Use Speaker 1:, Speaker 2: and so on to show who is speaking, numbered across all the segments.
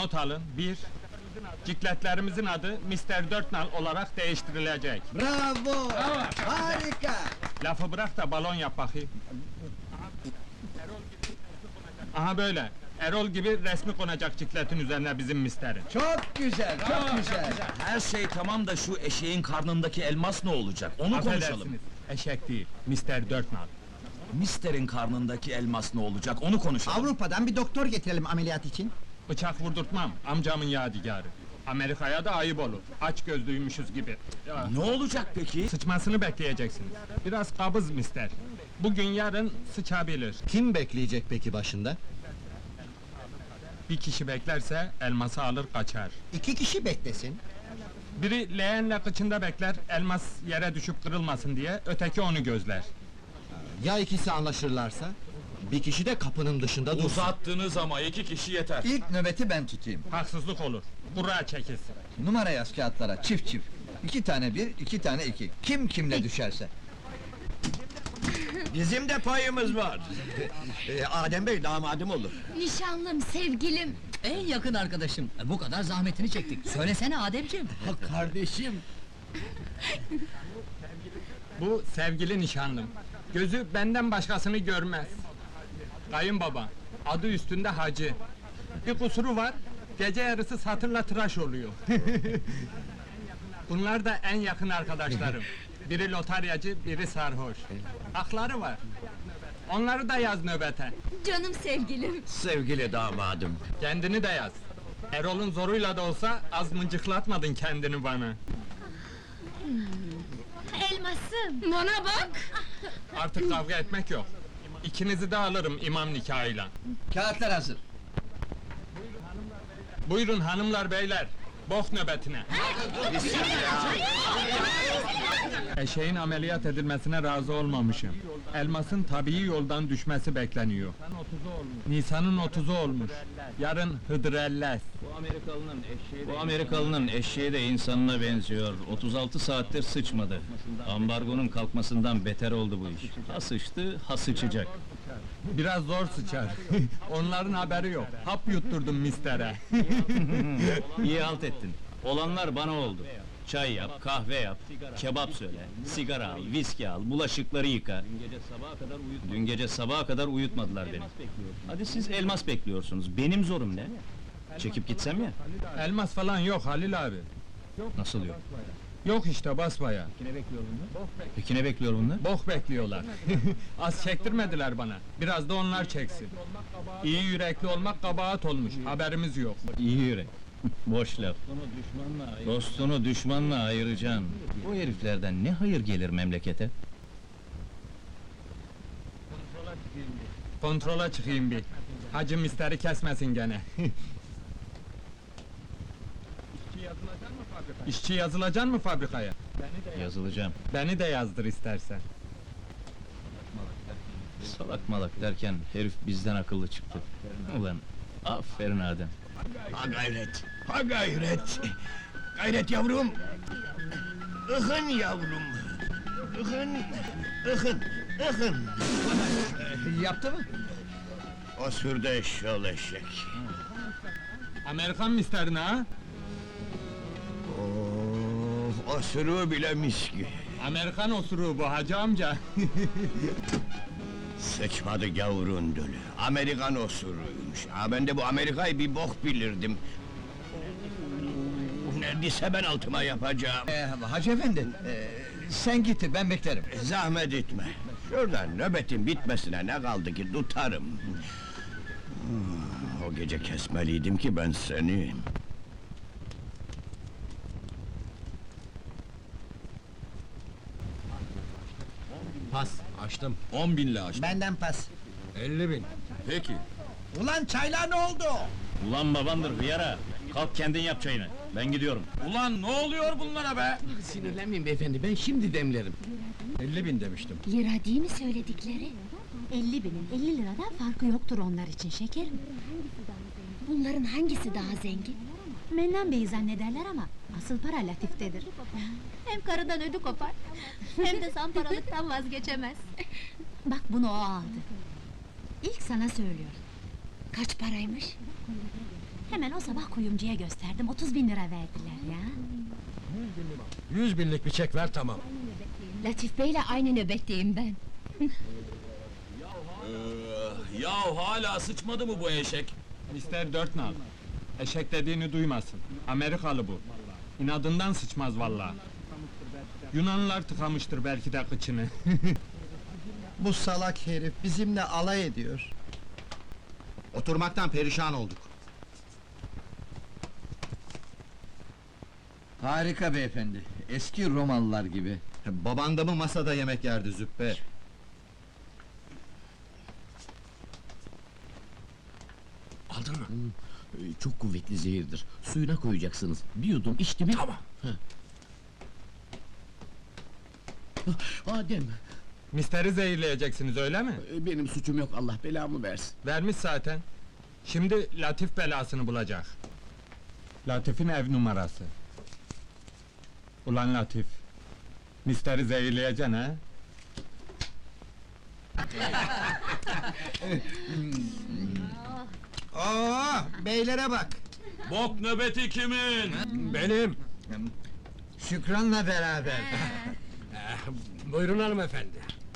Speaker 1: Not alın. 1. Cikletlerimizin adı Mr. Dörtnal olarak değiştirilecek.
Speaker 2: Bravo! Harika!
Speaker 1: Lafı bırak da balon yap bakayım. Aha böyle. Erol gibi resmi konacak cikletin üzerine bizim misterin.
Speaker 2: Çok güzel, çok güzel!
Speaker 3: Her şey tamam da şu eşeğin karnındaki elmas ne olacak? Onu konuşalım.
Speaker 1: Affedersiniz, eşek değil, Mr. Dörtnal.
Speaker 3: Mister'in karnındaki elmas ne olacak? Onu konuşalım.
Speaker 2: Avrupa'dan bir doktor getirelim ameliyat için.
Speaker 1: Bıçak vurdurtmam, amcamın yadigarı. Amerika'ya da ayıp olur, aç gözlüymüşüz gibi. Ya,
Speaker 3: Ne olacak peki?
Speaker 1: sıçmasını bekleyeceksiniz. Biraz kabız mister. Bugün yarın sıçabilir.
Speaker 4: Kim bekleyecek peki başında?
Speaker 1: Bir kişi beklerse elması alır kaçar.
Speaker 2: 2 kişi beklesin.
Speaker 1: Biri leğenle kıçında bekler, elmas yere düşüp kırılmasın diye, öteki onu gözler.
Speaker 4: Ya ikisi anlaşırlarsa? Bir kişi de kapının dışında dursun.
Speaker 3: Uzattınız ama 2 kişi yeter.
Speaker 5: İlk nöbeti ben tutayım.
Speaker 1: Haksızlık olur, kura çekilsin.
Speaker 5: Numara yaz kağıtlara, çift çift. 2 tane 1, 2 tane 2. Kim kimle düşerse.
Speaker 6: Bizim de payımız var. Adem Bey damadım olur.
Speaker 7: Nişanlım, sevgilim.
Speaker 8: En yakın arkadaşım. Bu kadar zahmetini çektik. Söylesene Ademciğim.
Speaker 5: Kardeşim.
Speaker 1: Bu sevgili nişanlım. Gözü benden başkasını görmez. Kayınbaba, adı üstünde hacı. Bir kusuru var, gece yarısı satırla tıraş oluyor. Bunlar da en yakın arkadaşlarım. Biri lotaryacı, biri sarhoş. Hakları var. Onları da yaz nöbete.
Speaker 7: Canım sevgilim.
Speaker 6: Sevgili damadım.
Speaker 1: Kendini de yaz. Erol'un zoruyla da olsa az mıncıklatmadın kendini bana.
Speaker 7: Elmasım. Bana bak.
Speaker 1: Artık kavga etmek yok. İkinizi de alırım imam nikahıyla.
Speaker 5: Kağıtlar hazır.
Speaker 1: Buyurun hanımlar beyler, bok nöbetine. Eşeğin ameliyat edilmesine razı olmamışım. Elmasın tabii yoldan düşmesi bekleniyor. Nisan'ın 30'u olmuş. Yarın Hıdrellez.
Speaker 9: Bu Amerikalının eşeği de insanına benziyor. 36 saattir sıçmadı. Ambargonun kalkmasından beter oldu bu iş. Ha sıçtı, ha sıçacak.
Speaker 1: Biraz zor sıçar. Onların haberi yok. Hap yutturdum mistere.
Speaker 9: İyi halt ettin. Olanlar bana oldu. Çay yap, kahve yap, kebap söyle, sigara al, viski al, bulaşıkları yıka. Dün gece sabaha kadar uyutmadılar beni. Hadi siz elmas bekliyorsunuz, benim zorum ne? Çekip gitsem ya?
Speaker 1: Elmas falan yok Halil abi.
Speaker 9: Nasıl yok?
Speaker 1: Yok işte basbaya.
Speaker 9: Peki ne bekliyor bunlar?
Speaker 1: Bok bekliyorlar. Az çektirmediler bana. Biraz da onlar çeksin. İyi yürekli olmak kabahat olmuş. Haberimiz yok.
Speaker 9: İyi yürek. Boş laf. Dostunu düşmanla ayıracaksın. Bu heriflerden ne hayır gelir memlekete?
Speaker 1: Kontrola çıkayım bir. Hacı misteri kesmesin gene. İşçi yazılacan mı fabrikaya?
Speaker 9: Yazılacağım.
Speaker 1: Beni de yazdır istersen.
Speaker 9: Salak malak derken herif bizden akıllı çıktı. Ulan aferin Adem.
Speaker 6: Ha gayret, ha gayret. Gayret yavrum. Ihın yavrum. Ihın, ıhın, ıhın.
Speaker 5: Yaptı mı?
Speaker 6: O sürdü eşşoğlu eşek.
Speaker 1: Amerikan misterini ha?
Speaker 6: Of, o sürü bile miski.
Speaker 1: Amerikan osuruğu bu hacı amca.
Speaker 6: Sıçmadı gavurun dölü. Amerikan osuruymuş. Ha ben de bu Amerika'yı bir bok bilirdim. Neredeyse ben altıma yapacağım.
Speaker 5: Hacı efendi, sen git, ben beklerim.
Speaker 6: Zahmet etme. Şuradan nöbetin bitmesine ne kaldı ki tutarım. O gece kesmeliydim ki ben seni.
Speaker 4: Pas, açtım.
Speaker 3: 10.000'le aç.
Speaker 2: Benden pas.
Speaker 4: 50.000.
Speaker 3: Peki.
Speaker 2: Ulan çaylar ne oldu?
Speaker 9: Ulan babandır hıyara. Kalk kendin yap çayını. Ben gidiyorum.
Speaker 3: Ulan ne oluyor bunlara be?
Speaker 8: Sinirlenmeyin beyefendi, ben şimdi demlerim.
Speaker 4: 50.000 demiştim.
Speaker 7: Lira değil mi söyledikleri?
Speaker 10: 50.000'in 50 liradan farkı yoktur onlar için şekerim.
Speaker 7: Bunların hangisi daha zengin?
Speaker 10: Mennan Bey'i zannederler ama asıl para Latif'tedir. Hem karıdan ödü kopar, hem de zamparalıktan vazgeçemez. Bak bunu o aldı. İlk sana söylüyor.
Speaker 7: Kaç paraymış?
Speaker 10: Hemen o sabah kuyumcuya gösterdim, 30.000 lira verdiler ya.
Speaker 4: 100 binlik bir çek ver tamam.
Speaker 7: Latif Bey'le aynı nöbetteyim ben.
Speaker 3: Ya hala sıçmadı mı bu eşek?
Speaker 1: Mister Dört Nal. Eşek dediğini duymasın. Amerikalı bu. İnadından sıçmaz vallahi. Yunanlılar tıkamıştır belki de kıçını.
Speaker 2: Bu salak herif bizimle alay ediyor.
Speaker 4: Oturmaktan perişan olduk.
Speaker 5: Harika beyefendi. Eski Romalılar gibi.
Speaker 4: Baban da mı masada yemek yerdi züppe?
Speaker 11: Aldın mı? Çok kuvvetli zehirdir. Suyuna koyacaksınız. Bir yudum içti mi? Tamam. Adem,
Speaker 1: Misteri zehirleyeceksiniz öyle mi?
Speaker 11: benim suçum yok, Allah belamı versin.
Speaker 1: Vermiş zaten. Şimdi Latif belasını bulacak. Latif'in ev numarası. Ulan Latif. Misteri zehirleyeceksin ha?
Speaker 2: Oo, beylere bak.
Speaker 3: Bok nöbeti kimin?
Speaker 4: Benim.
Speaker 2: Şükran'la beraber.
Speaker 4: Buyurun hanımefendi.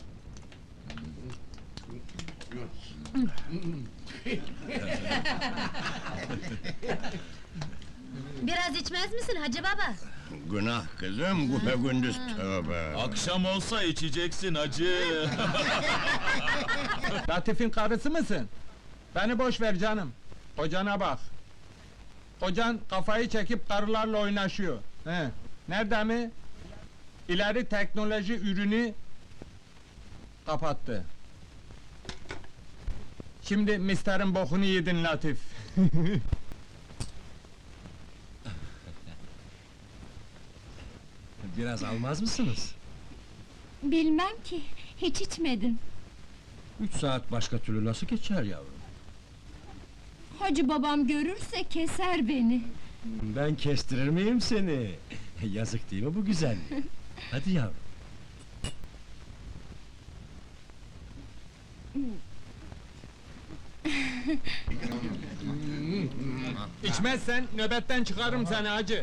Speaker 10: Biraz içmez misin Hacı Baba?
Speaker 6: Günah kızım, bu gündüz tövbe.
Speaker 3: Akşam olsa içeceksin hacı.
Speaker 1: Latif'in karısı mısın? Beni boş ver canım. Kocana bak. Kocan kafayı çekip karılarla oynaşıyor. He. Nerede mi? İleri teknoloji ürünü kapattı. Şimdi misterin bokunu yedin Latif.
Speaker 4: Biraz almaz mısınız?
Speaker 7: Bilmem ki, hiç içmedim.
Speaker 4: 3 saat başka türlü nasıl geçer yavrum?
Speaker 7: Hacı babam görürse keser beni.
Speaker 4: Ben kestirir miyim seni? Yazık değil mi bu güzel? Hadi yavrum.
Speaker 1: İçmezsen nöbetten çıkarım seni hacı.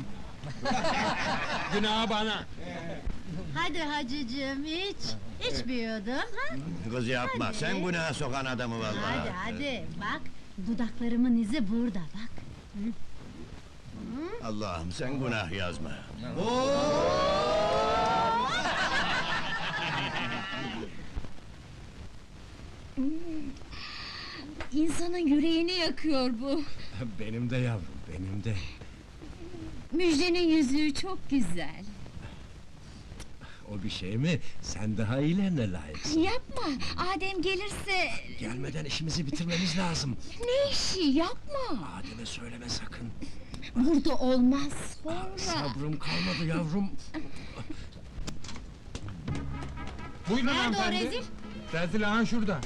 Speaker 1: Günahı bana.
Speaker 10: Hadi hacıcığım iç. İçmiyordum ha?
Speaker 6: Kız yapma, sen günaha sokan adamı vallahi.
Speaker 10: Hadi hadi bak. Dudaklarımın izi burada bak.
Speaker 6: Allah'ım sen günah yazma.
Speaker 7: İnsanın yüreğini yakıyor bu.
Speaker 4: Benim de yavrum, benim de.
Speaker 7: Müjdenin yüzüğü çok güzel.
Speaker 4: O bir şey mi? Sen daha iyilerine layıksın.
Speaker 7: Yapma, Adem gelirse...
Speaker 4: Gelmeden işimizi bitirmemiz lazım.
Speaker 7: Ne işi, yapma!
Speaker 4: Adem'e söyleme sakın.
Speaker 7: Burada olmaz, sonra...
Speaker 4: Sabrım kalmadı yavrum.
Speaker 1: Buyurun
Speaker 10: Nerede o
Speaker 1: hanımefendi.
Speaker 10: rezil?
Speaker 1: Rezil aha şurada.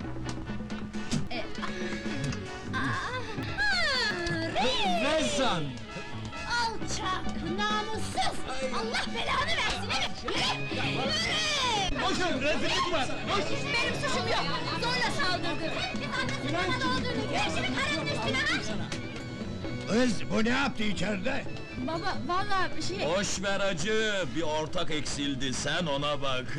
Speaker 4: Rezan!
Speaker 10: Alçak, namussuz! Allah belanı versin, evet! Yürü!
Speaker 1: Koşun rezillik var.
Speaker 10: Benim suçum yok! Zorla saldırdı! Biz annesini doldurduk! Ver şimdi karının üstüne ha!
Speaker 6: Kız, bu ne yaptı içeride?
Speaker 7: Baba, vallahi şey...
Speaker 3: Boş ver hacı, bir ortak eksildi, sen ona bak.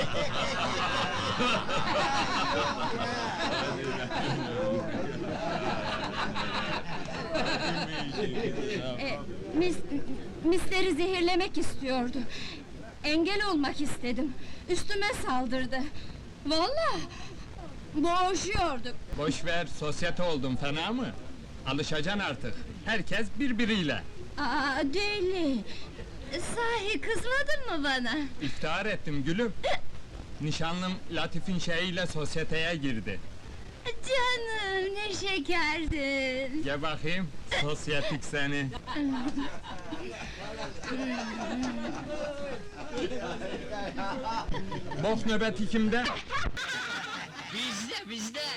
Speaker 7: Misteri zehirlemek istiyordu. Engel olmak istedim. Üstüme saldırdı. Vallahi boğuşuyorduk.
Speaker 1: Boş ver, sosyete oldun fena mı? Alışacaksın artık. Herkes birbiriyle.
Speaker 7: Aa, deli! Sahi kızmadın mı bana?
Speaker 1: İftihar ettim gülüm. Nişanlım Latif'in şeyiyle sosyeteye girdi.
Speaker 7: Canım, ne şekerdin!
Speaker 1: Gel bakayım, sosyetik seni. Bok nöbeti kimde?
Speaker 8: Bizde bizde.